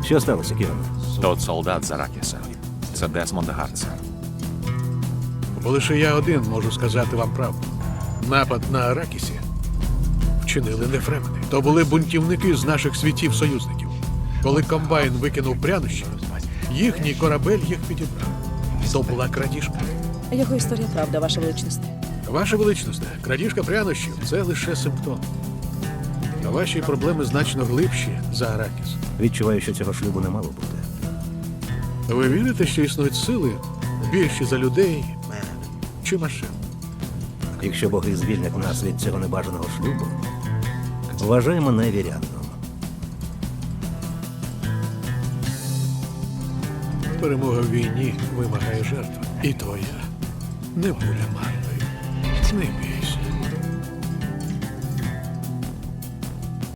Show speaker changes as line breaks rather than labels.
Що сталося, Кіран?
Тот солдат з Аракіса. Це Десмонд Гартс.
Бо лише я один можу сказати вам правду. Напад на Аракісі вчинили не фремени. То були бунтівники з наших світів-союзників. Коли комбайн викинув прянощі, їхній корабель їх підібрав. То була крадіжка.
Його історія правда, ваша величність.
Ваша величність, крадіжка прянощів – це лише симптом. А ваші проблеми значно глибші за Аракіс.
Відчуваю, що цього шлюбу не мало бути.
Ви вірите, що існують сили більші за людей чи машин?
Якщо боги звільнять нас від цього небажаного шлюбу, вважай мене вірянном.
Перемога в війні вимагає жертв. І твоя не буде марною. Не бій.